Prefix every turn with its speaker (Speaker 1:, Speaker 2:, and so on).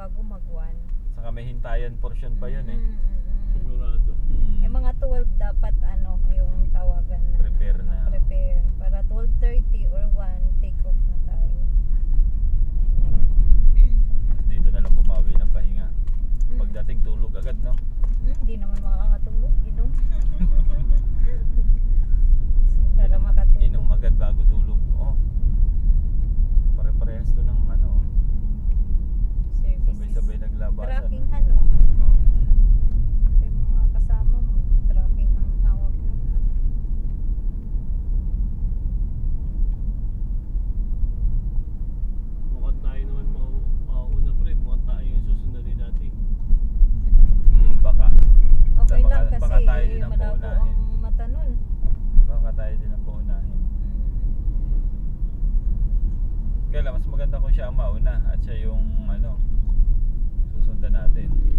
Speaker 1: bago mag-1.
Speaker 2: Saka may hintayan portion pa yun eh.
Speaker 3: Sigurado.
Speaker 1: Eh mga 12 dapat ano yung tawagan na
Speaker 2: Prepare
Speaker 1: ano,
Speaker 2: na.
Speaker 1: prepare para 12:30 or 1 take off na tayo.
Speaker 2: Dito na lang bumawi ng pahinga. Pagdating tulog agad, no?
Speaker 1: Hindi naman makakatulog, inom. Para makatulog.
Speaker 2: Inom agad bago tulog. Oh. Pare-parehas to ng ano.
Speaker 1: Services.
Speaker 2: Sabay-sabay naglabasan.
Speaker 1: Tracking ano.
Speaker 2: Oh.
Speaker 1: Sa mga kasama mo, tracking ang hawak nun.
Speaker 3: Mukhang tayo naman mauuna pa rin. Mukhang tayo yung susundin dati.
Speaker 2: Baka.
Speaker 1: Okay
Speaker 2: Baka-
Speaker 1: lang kasi
Speaker 2: baka tayo din ang
Speaker 1: malabo
Speaker 2: paunahin.
Speaker 1: ang mata nun.
Speaker 2: Baka tayo din ang paunahin. Kaya lang, mas maganda kung siya ang mauna at siya yung ano, susundan natin.